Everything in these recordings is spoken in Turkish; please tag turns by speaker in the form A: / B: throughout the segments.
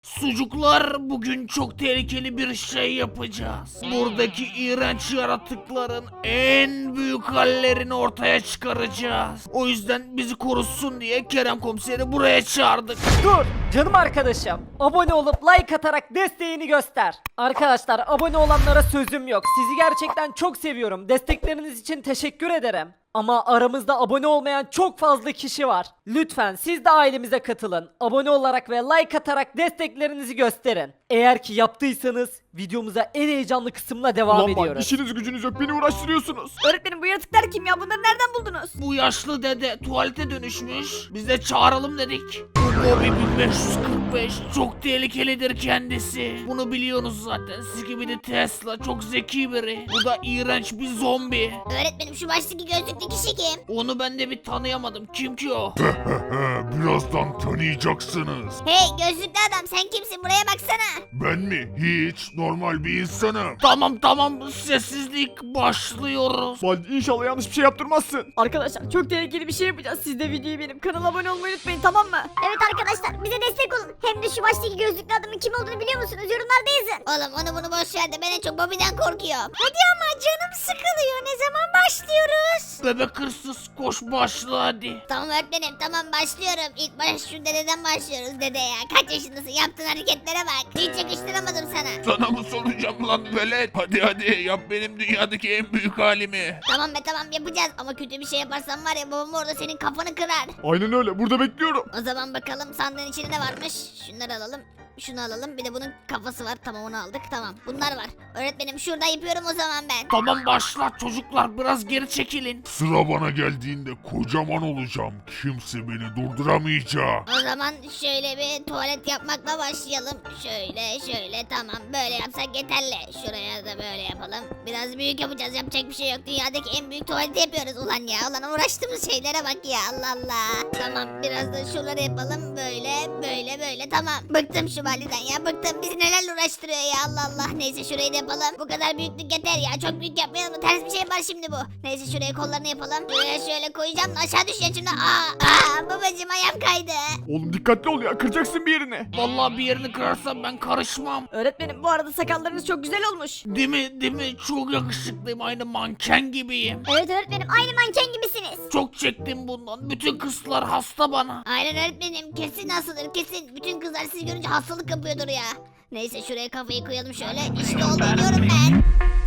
A: Sucuklar, bugün çok tehlikeli bir şey yapacağız. Buradaki iğrenç yaratıkların en büyük hallerini ortaya çıkaracağız. O yüzden bizi korusun diye Kerem komiseri buraya çağırdık.
B: Dur canım arkadaşım. Abone olup like atarak desteğini göster. Arkadaşlar abone olanlara sözüm yok. Sizi gerçekten çok seviyorum. Destekleriniz için teşekkür ederim. Ama aramızda abone olmayan çok fazla kişi var. Lütfen siz de ailemize katılın. Abone olarak ve like atarak desteklerinizi gösterin. Eğer ki yaptıysanız videomuza en heyecanlı kısımla devam
C: Ulan bak,
B: ediyoruz.
C: işiniz gücünüz yok, beni uğraştırıyorsunuz.
D: Öğretmenim bu yaratıklar kim ya? Bunları nereden buldunuz?
A: Bu yaşlı dede tuvalete dönüşmüş. Biz de çağıralım dedik. Bu Bobby 1545 çok tehlikelidir kendisi. Bunu biliyorsunuz zaten. Siz gibi de Tesla çok zeki biri. Bu da iğrenç bir zombi.
D: Öğretmenim şu baştaki gözlüklü kişi kim?
A: Onu ben de bir tanıyamadım. Kim ki o?
E: Birazdan tanıyacaksınız.
D: Hey gözlüklü adam sen kimsin? Buraya baksana.
E: Ben mi? Hiç normal bir insanım.
A: Tamam sessizlik başlıyoruz.
C: Baldi inşallah yanlış bir şey yaptırmazsın.
D: Arkadaşlar çok tehlikeli bir şey yapacağız. Siz de videoyu benim kanala abone olmayı unutmayın, tamam mı?
F: Evet arkadaşlar bize destek olun. Hem de şu baştaki gözlüklü adamın kim olduğunu biliyor musunuz? Yorumlarda yazın.
D: Oğlum onu bunu boş ver de ben en çok Bobby'den korkuyorum. Hadi ama canım sıkılıyor. Ne zaman başlıyoruz?
A: Bebek hırsız koş başla hadi.
D: Tamam öğretmenim tamam başlıyorum. İlk baş şu dededen başlıyoruz dede ya. Kaç yaşındasın? Yaptığın hareketlere bak. Hiç yakıştıramadım sana.
E: Sana mı soracağım lan velet? Hadi yap benim dünyadaki en büyük halimi.
D: Tamam be tamam yapacağız ama kötü bir şey yaparsan var ya babam orada senin kafanı kırar.
C: Aynen öyle, burada bekliyorum.
D: O zaman bakalım sandığın içinde ne varmış. Şunları alalım. Şunu alalım. Bir de bunun kafası var. Tamam onu aldık. Tamam. Bunlar var. Öğretmenim şurada yapıyorum o zaman ben.
A: Tamam başla çocuklar biraz geri çekilin.
E: Sıra bana geldiğinde kocaman olacağım. Kimse beni durduramayacak.
D: O zaman şöyle bir tuvalet yapmakla başlayalım. Şöyle tamam. Böyle yapsak yeterli. Şuraya da böyle yapalım. Biraz büyük yapacağız. Yapacak bir şey yok. Dünyadaki en büyük tuvaleti yapıyoruz. Ulan ya. Ulan uğraştığımız şeylere bak ya. Allah Allah. Tamam. Biraz da şuraları yapalım. Böyle. Tamam. Bıktım şu validen ya. Bıktım. Bizi nelerle uğraştırıyor ya. Allah Allah. Neyse şurayı da yapalım. Bu kadar büyüklük yeter ya. Çok büyük yapmayalım mı? Ters bir şey yapar şimdi bu. Neyse şuraya kollarını yapalım. Buraya şöyle koyacağım da aşağı düşeceğim şimdi. Babacım ayağım kaydı.
C: Oğlum dikkatli ol ya, kıracaksın bir yerini.
A: Vallahi bir yerini kırarsam ben karışmam.
D: Öğretmenim bu arada sakallarınız çok güzel olmuş.
A: Değil mi? Çok yakışıklıyım. Aynı manken gibiyim.
F: Evet öğretmenim aynı manken gibisiniz.
A: Çok çektim bundan. Bütün kızlar hasta bana.
D: Aynen öğretmenim. Kesin hastadır kesin. Bütün kızlar sizi görünce hastalık yapıyordur ya. Neyse şuraya kafayı koyalım şöyle. İşte oldu diyorum ben.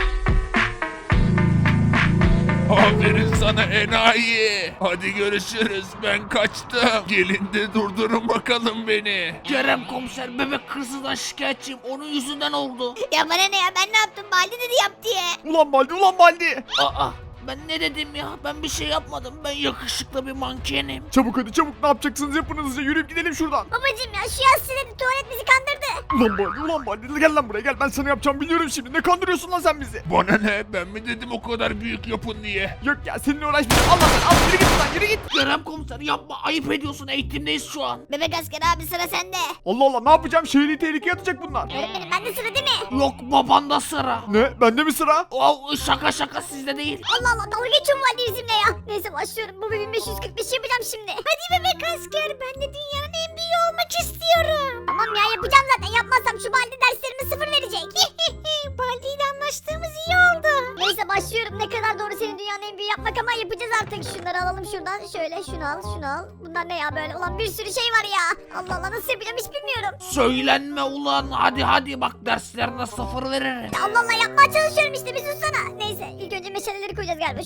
E: Aferin sana enayi. Hadi görüşürüz, ben kaçtım. Gelin de durdurun bakalım beni.
A: Kerem komiser bebek hırsızdan şikayetçiyim. Onun yüzünden oldu.
D: Ya bana ne ya ben ne yaptım? Baldi dedi yap diye.
C: Ulan Baldi.
A: Aa ben ne dedim ya? Ben bir şey yapmadım. Ben yakışıklı bir mankenim.
C: Çabuk hadi çabuk, ne yapacaksınız yapın hızlıca, yürüyüp gidelim şuradan.
F: Babacım ya şu yaz siledi tuvalet bizi kandırdı.
C: Ulan Baldi gel lan buraya gel, ben sana yapacağım biliyorum şimdi. Ne kandırıyorsun lan sen bizi?
E: Bana ne? Ben mi dedim o kadar büyük yapın diye?
C: Yok ya, seninle uğraşmayacağım. Al yürü git lan, yürü git.
A: Kerem komiser yapma. Ayıp ediyorsun. Eğitimdeyiz şu an.
D: Bebek asker abi sıra sende.
C: Allah ne yapacağım, şehri tehlikeye atacak bunlar.
F: Öğretmenim bende sıra değil mi?
A: Yok babanda sıra.
C: Ne, bende mi sıra?
A: Oh, şaka sizde değil.
F: Allah dalga geçiyor mu valide bizimle ya? Neyse başlıyorum. Bu 1545 yapacağım şimdi. Hadi bebek asker ben de dünyanın en büyüğü olmak istiyorum. Tamam ya yapacağım zaten. Yapmazsam şu balde derslerime 0 verecek. Baldi ile anlaştığımız iyi oldu. Neyse başlıyorum. Ne kadar doğru senin dünyanın en büyüğü yapmak ama yapacağız artık. Şunları alalım şuradan. Şöyle şunu al. Bunlar ne ya böyle? Ulan bir sürü şey var ya. Allah Allah nasıl yapacağım hiç bilmiyorum.
A: Söylenme ulan. Hadi bak derslerine 0 veririm.
F: Ya Allah Allah yapmaya çalışıyorum işte bir sussana. Neyse ilk önce meşaleleri koyacağız galiba.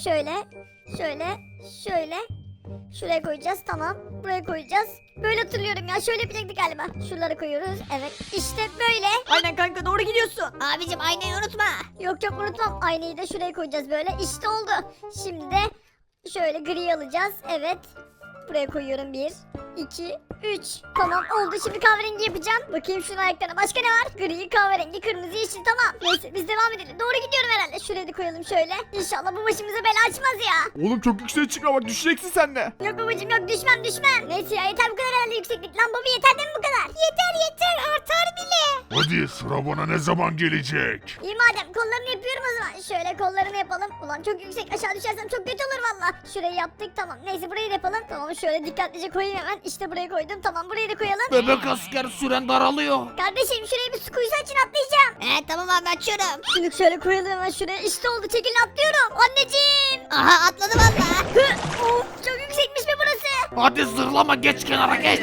F: Şöyle. Şuraya koyacağız tamam. Buraya koyacağız. Böyle hatırlıyorum ya şöyle yapacaktık galiba. Şuraları koyuyoruz evet işte böyle.
D: Aynen kanka doğru gidiyorsun. Abicim aynayı unutma.
F: Yok unutmam. Aynayı da şuraya koyacağız böyle. İşte oldu. Şimdi de şöyle gri alacağız. Evet. Buraya koyuyorum 1, 2, 3. Tamam oldu şimdi kahverengi yapacağım. Bakayım şunun ayaklarına başka ne var? Gri, kahverengi, kırmızı, yeşil tamam. Neyse biz devam edelim. Doğru gidiyorum herhalde. Şuraya da koyalım şöyle. İnşallah bu başımıza bela açmaz ya.
C: Oğlum çok yükseğe çıkma bak, düşeceksin sen de.
F: Yok babacım yok düşmem. Neyse ya yeter bu kadar herhalde yükseklik. Lan baba yeter değil mi bu kadar? Yeter artar bile.
E: Hadi sıra bana ne zaman gelecek?
F: İyi madem kollarını yapıyorum o zaman. Şöyle kollarını yapalım. Ulan çok yüksek, aşağı düşersem çok kötü olur valla. Şurayı yaptık, tamam. Neyse burayı da yapalım. Tamam, şöyle dikkatlice koyayım hemen. İşte buraya koydum. Tamam, burayı da koyalım.
A: Bebek asker süren daralıyor.
F: Kardeşim şuraya bir su kuyusu açın, atlayacağım.
D: Tamam abi açıyorum.
F: Şunu şöyle koyalım hemen şuraya. İşte oldu, çekilin, atlıyorum. Anneciğim.
D: Aha atladı valla.
F: Of, çok yüksekmiş be burası.
A: Hadi zırlama, geç kenara geç.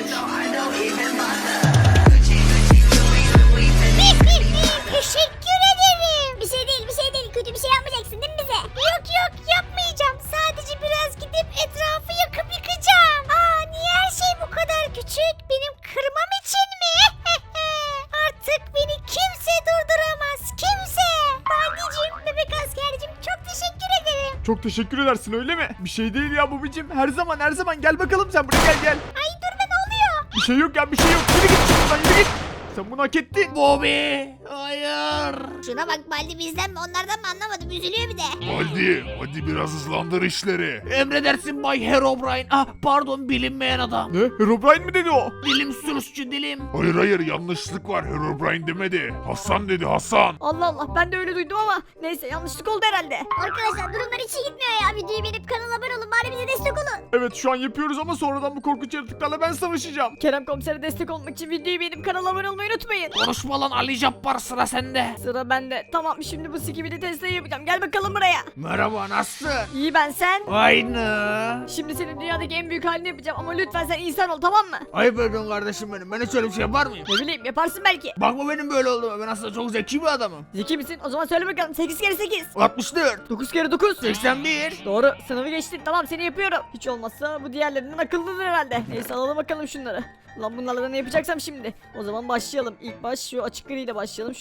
F: Teşekkür ederim. Bir şey değil, bir şey değil. Kötü bir şey yapmayacaksın değil mi bize? Yok yok, yapmayacağım. Sadece biraz gidip etrafı yakıp yıkacağım. Niye her şey bu kadar küçük? Benim kırmam için mi? Artık beni kimse durduramaz. Kimse. Baldicim, bebek askercim, çok teşekkür ederim.
C: Çok teşekkür edersin öyle mi? Bir şey değil ya babacım. Her zaman gel bakalım sen buraya gel.
F: Ay dur be, ne oluyor?
C: Bir şey yok ya, bir şey yok. Yürü git şuradan, yürü git. Sen bunu hak ettin.
A: Bobby, hayır.
D: Şuna bak Baldi, bizden mi onlardan mı anlamadım, üzülüyor bir de.
E: Hadi biraz hızlandır işleri.
A: Emredersin Bay Herobrine. Pardon, bilinmeyen adam.
C: Ne? Herobrine mi dedi o?
A: Dilim sürüsçü dilim.
E: Hayır yanlışlık var, Herobrine demedi. Hasan dedi, Hasan.
B: Allah Allah, ben de öyle duydum ama neyse, yanlışlık oldu herhalde.
F: Arkadaşlar durumlar hiç iyi gitmiyor ya. Videoyu beğenip kanala abone olun. Bari bize destek olun.
C: Evet şu an yapıyoruz ama sonradan bu korkunç yaratıklarla ben savaşacağım.
B: Kerem komisere destek olmak için videoyu beğenip kanala abone olmayı unutmayın.
A: Konuşma lan Ali Cabbar, sıra sende.
B: Sıra bende. Tamam, şimdi bu Skibidi Tesla'yı yapacağım. Gel bakalım buraya.
A: Merhaba, nasılsın?
B: İyi, ben sen.
A: Aynı.
B: Şimdi senin dünyadaki en büyük halini yapacağım ama lütfen sen insan ol, tamam mı?
A: Ayıp ediyorsun kardeşim benim. Ben hiç öyle bir şey yapar mıyım?
B: Ne bileyim, yaparsın belki.
A: Bakma benim böyle olduğuma. Ben aslında çok zeki bir adamım.
B: Zeki misin? O zaman söyle bakalım, 8 kere 8.
A: 64.
B: 9 kere 9.
A: 81.
B: Doğru, sınavı geçtin, tamam, seni yapıyorum. Hiç olmazsa bu diğerlerinden akıllıdır herhalde. Neyse, alalım bakalım şunları. Lan bunlarla da ne yapacaksam şimdi. O zaman başlayalım. İlk baş şu açık griyle başlayalım.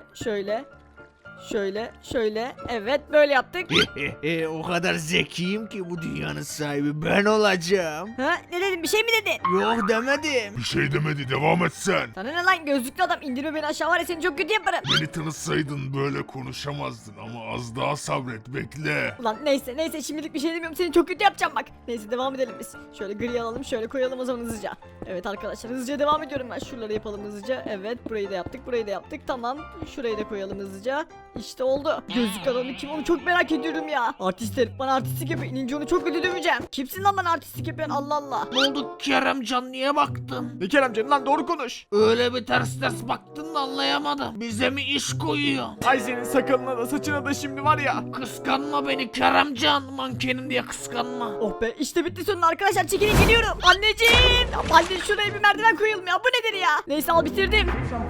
B: Şöyle. Evet, böyle yaptık.
A: O kadar zekiyim ki bu dünyanın sahibi ben olacağım.
B: Ha, ne dedin, bir şey mi dedin?
A: Yok demedim.
E: Bir şey demedi, devam et sen.
B: Sana ne lan, gözlüklü adam, indirme beni aşağı, var ya seni çok kötü yaparım.
E: Beni tanısaydın böyle konuşamazdın ama az daha sabret, bekle.
B: Ulan neyse, şimdilik bir şey demiyorum, seni çok kötü yapacağım bak. Neyse, devam edelim biz. Şöyle gri alalım, şöyle koyalım o zaman hızlıca. Evet arkadaşlar, hızlıca devam ediyorum ben. Şuraları yapalım hızlıca. Evet, burayı da yaptık, tamam. Şurayı da koyalım hızlıca. İşte oldu. Gözlük adamı kim, onu çok merak ediyorum ya. Artist herif bana artistlik yapıyor. İnince onu çok kötü döveceğim. Kimsin lan bana artistlik yapıyorsun, Allah Allah.
A: Ne oldu Keremcan, niye baktın?
C: Ne Keremcan lan, doğru konuş.
A: Öyle bir ters baktın da anlayamadım. Bize mi iş koyuyor?
C: Ay senin sakalına da saçına da şimdi var ya.
A: Kıskanma beni Keremcan. Mankenim diye kıskanma.
B: Oh be, işte bitti sonunda arkadaşlar, çekilin geliyorum. Anneciğim. Ya Baldi, şuraya bir merdiven koyalım ya, bu nedir ya? Neyse, al bitirdim.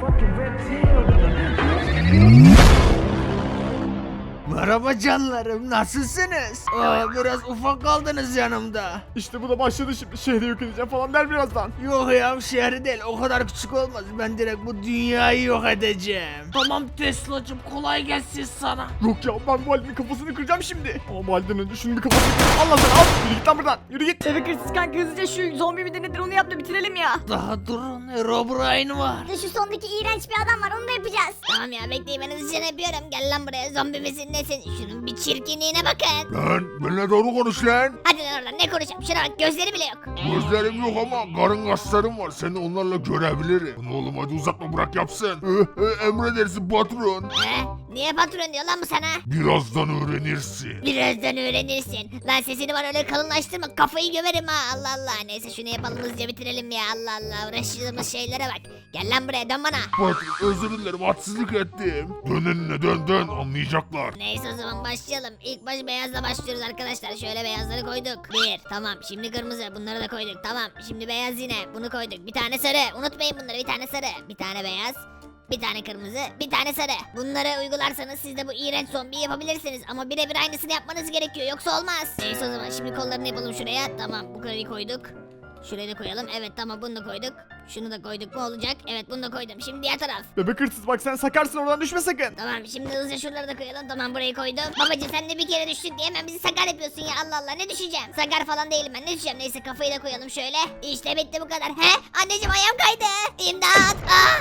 A: Merhaba canlarım, nasılsınız? Biraz ufak kaldınız yanımda.
C: İşte bu da başladı şimdi. Şehri yok edeceğim falan der birazdan.
A: Yok ya, şehri değil, o kadar küçük olmaz. Ben direkt bu dünyayı yok edeceğim. Tamam Tesla'cığım, kolay gelsin sana.
C: Yok ya, ben bu Ali'nin kafasını kıracağım şimdi. Ama bu Ali'den önce şunun bir kafasını kırayım. Allah sana al. Yürü git lan buradan. Yürü git.
B: Bebek hırsız kanka, hızlıca şu zombi midir nedir onu yap da bitirelim ya.
A: Daha durun, Herobrine var.
F: Bir de şu sondaki iğrenç bir adam var, onu da yapacağız.
D: Tamam ya, bekleyin, ben hızlıca yapıyorum. Gel lan buraya, zombi misin nesin? Şunun bir çirkinliğine bakın.
E: Lan benimle doğru konuş lan.
D: Hadi lan oradan, ne konuşacağım? Şuna bak, gözleri bile yok.
E: Gözlerim yok ama karın kaslarım var. Seni onlarla görebilirim. Bunu oğlum hadi uzatma, bırak yapsın. Emredersin patron.
D: Niye patron diyor lan bu sana?
E: Birazdan öğrenirsin.
D: Birazdan öğrenirsin. Lan sesini bana öyle kalınlaştırma, kafayı gömerim ha, Allah Allah. Neyse şunu yapalım, hızlıca bitirelim ya, Allah Allah. Uğraştığımız şeylere bak. Gel lan buraya, dön bana.
E: Patron özür dilerim, hadsizlik ettim. Dön önüne, dön anlayacaklar.
D: Neyse o zaman başlayalım. İlk baş beyazla başlıyoruz arkadaşlar. Şöyle beyazları koyduk. Bir, tamam. Şimdi kırmızı, bunları da koyduk. Tamam. Şimdi beyaz yine, bunu koyduk. Bir tane sarı. Unutmayın bunları, bir tane sarı. Bir tane beyaz. Bir tane kırmızı, bir tane sarı. Bunları uygularsanız siz de bu iğrenç zombiyi yapabilirsiniz. Ama birebir aynısını yapmanız gerekiyor, yoksa olmaz. Neyse o zaman şimdi kollarını yapalım şuraya. Tamam, bu kadar koyduk. Şurayı da koyalım. Evet tamam, bunu da koyduk. Şunu da koyduk mu olacak? Evet, bunu da koydum. Şimdi diğer taraf.
C: Bebek hırsız bak, sen sakarsın, oradan düşme sakın.
D: Tamam, şimdi hızlıca şuraları da koyalım. Tamam, burayı koydum. Babacım sen de bir kere düştük diye hemen bizi sakar yapıyorsun ya, Allah Allah, ne düşeceğim? Sakar falan değilim ben, ne düşeceğim? Neyse kafayı da koyalım şöyle. İşte bitti, bu kadar. He? Anneciğim ayağım kaydı. İmdat. Oh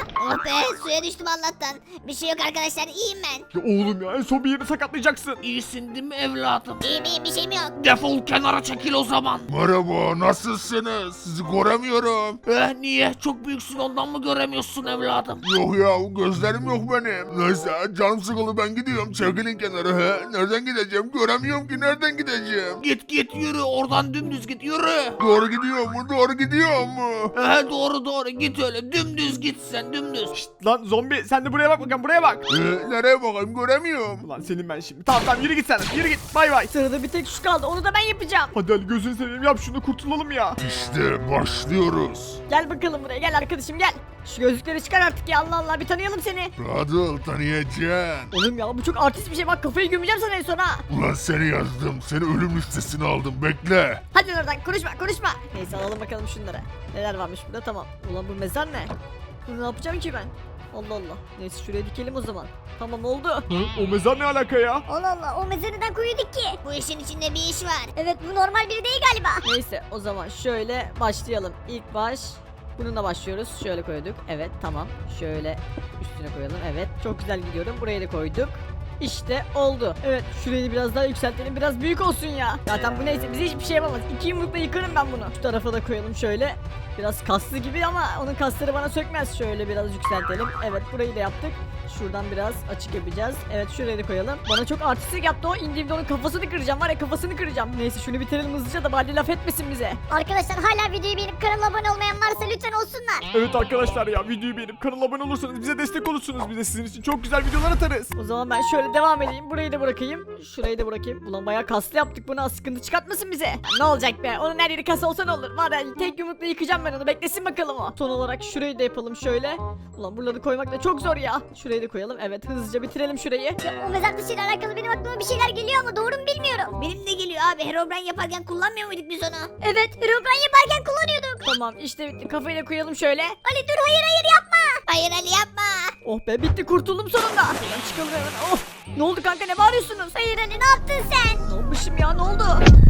D: Oh be, suya düştüm Allah'tan. Bir şey yok arkadaşlar, iyiyim ben.
C: Ya oğlum ya en son bir yerini sakatlayacaksın.
A: İyisin değil mi evladım?
D: İyiyim, bir şeyim yok.
A: Defol kenara çekil o zaman.
E: Merhaba, nasılsınız? Sizi göremiyorum.
A: Niye? Çok büyüksün ondan mı göremiyorsun evladım?
E: Yok ya, gözlerim yok benim. Neyse, canım sıkıldı, ben gidiyorum. Çekilin kenara he. Nereden gideceğim? Göremiyorum ki, nereden gideceğim?
A: Git yürü oradan dümdüz git yürü.
E: Doğru gidiyor mu? Doğru gidiyor mu?
A: Doğru git öyle dümdüz git sen dümdüz.
C: Lan zombi sen de buraya bak bakalım buraya bak.
E: Nereye bakayım? Göremiyorum.
C: Ulan senin ben şimdi. Tamam yürü git sen. Yürü git. Bay bay.
B: Sırada bir tek şu kaldı, onu da ben yapacağım.
C: Hadi Ali gözünü seveyim yap şunu kurtulalım ya.
E: İşte başlıyoruz.
B: Gel bakalım buraya, gel arkadaşım gel. Şu gözlükleri çıkar artık ya, Allah Allah, bir tanıyalım seni.
E: Rahat ol, tanıyacaksın.
B: Oğlum ya bu çok artist bir şey, bak kafayı gömeceğim sana en son ha.
E: Ulan seni yazdım. Seni ölüm listesine aldım. Bekle.
B: Hadi oradan konuşma. Neyse alalım bakalım şunları. Neler varmış burada, tamam. Ulan bu mezar ne? Bunu ne yapacağım ki ben? Allah Allah. Neyse şuraya dikelim o zaman. Tamam oldu.
C: Hı? O mezar ne alaka ya?
F: Allah Allah o mezarı neden koyduk ki?
D: Bu işin içinde bir iş var.
F: Evet bu normal biri değil galiba.
B: Neyse o zaman şöyle başlayalım. İlk baş bununla başlıyoruz. Şöyle koyduk. Evet tamam. Şöyle üstüne koyalım. Evet çok güzel gidiyorum. Buraya da koyduk. İşte oldu. Evet şurayı biraz daha yükseltelim. Biraz büyük olsun ya. Zaten bu neyse bize hiçbir şey yapamaz. 2 yumrukla yıkarım ben bunu. Şu tarafa da koyalım şöyle. Biraz kaslı gibi ama onun kasları bana sökmez. Şöyle biraz yükseltelim. Evet burayı da yaptık. Şuradan biraz açık yapacağız. Evet şuraya da koyalım. Bana çok artistlik yaptı o. İndiğimde onun kafasını kıracağım. Var ya kafasını kıracağım. Neyse şunu bitirelim hızlıca da Baldi laf etmesin bize.
F: Arkadaşlar hala videoyu beğenip kanala abone olmayan varsa lütfen olsunlar.
C: Evet arkadaşlar ya videoyu beğenip kanala abone olursanız bize destek olursunuz. Biz de sizin için çok güzel videolar atarız.
B: O zaman ben şöyle devam edeyim. Burayı da bırakayım. Şurayı da bırakayım. Ulan bayağı kaslı yaptık bunu. Sıkıntı çıkartmasın bize. Ya ne olacak be? Onun her yeri kas olsa ne olur? Var ya tek yumrukla yıkacağım ben onu. Beklesin bakalım o. Son olarak şurayı da yapalım şöyle. Ulan buraları koymak da çok zor ya. Şurayı da koyalım. Evet hızlıca bitirelim şurayı.
F: O mezar taşıyla alakalı benim aklıma bir şeyler geliyor ama doğru mu bilmiyorum.
D: Benim de geliyor abi, Herobrine yaparken kullanmıyor muyduk biz onu?
F: Evet Herobrine yaparken kullanıyorduk.
B: Tamam işte bitti. Kafayı da koyalım şöyle.
F: Ali dur hayır yapma.
D: Hayır Ali yapma.
B: Oh be bitti, kurtuldum sonunda. Şuradan çıkalım hemen. Oh. Ne oldu kanka, ne bağırıyorsunuz?
F: Hayır Ali ne yaptın sen?
B: Ne yapmışım ya, ne oldu?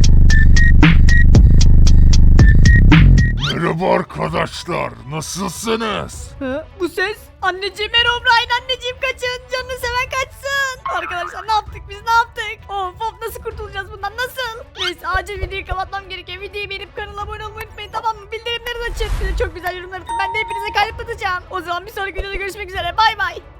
E: Merhaba arkadaşlar. Nasılsınız?
B: Hı? Bu ses? Anneciğim Herobrine, anneciğim kaçın. Canını seven kaçsın. Arkadaşlar ne yaptık biz, ne yaptık? Of nasıl kurtulacağız bundan, nasıl? Neyse acil videoyu kapatmam gerekiyor. Videoyu beğenip kanala abone olmayı unutmayın, tamam mı? Bildirimleri de açın. Bir de çok güzel yorumlar atın. Ben de hepinize kalp atacağım. O zaman bir sonraki videoda görüşmek üzere. Bay bay.